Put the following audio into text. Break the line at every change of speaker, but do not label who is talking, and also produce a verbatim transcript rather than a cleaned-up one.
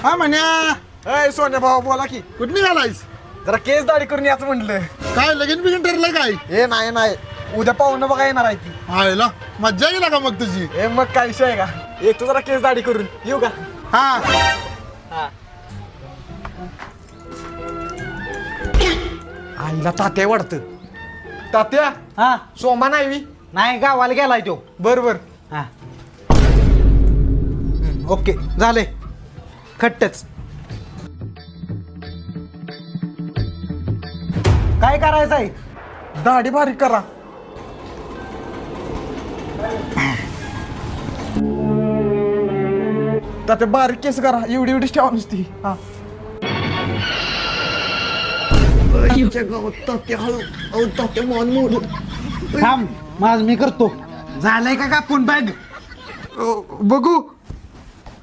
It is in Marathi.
हा म्हण्या
अय सोन्या भाऊ बोला की
कुठं निघालायस?
जरा केस दाढी करून याच म्हटलं.
काय लगीन बिगीन ठरलंय काय?
हे नाही नाही उद्या पाहुणं बघा येणार आहे ती.
आयला मज्जा गेला का मग तुझी?
हे मग काय विषय आहे का? येतो जरा केस दाढी करून येऊ का?
हा
हा. आईला तात्या वाटतं. तात्या
हा
सोमा नाही
नाही गावाला गेलाय तो.
बर बर.
हा ओके झाले खट्टच. काय करायचं आहे?
दाढी बारीक करा. तात्या बारीक केस करा एवढी एवढीच ठेवा नुसती. हा
थांब माझ मी करतो. झालंय का कापून बॅग?
बघू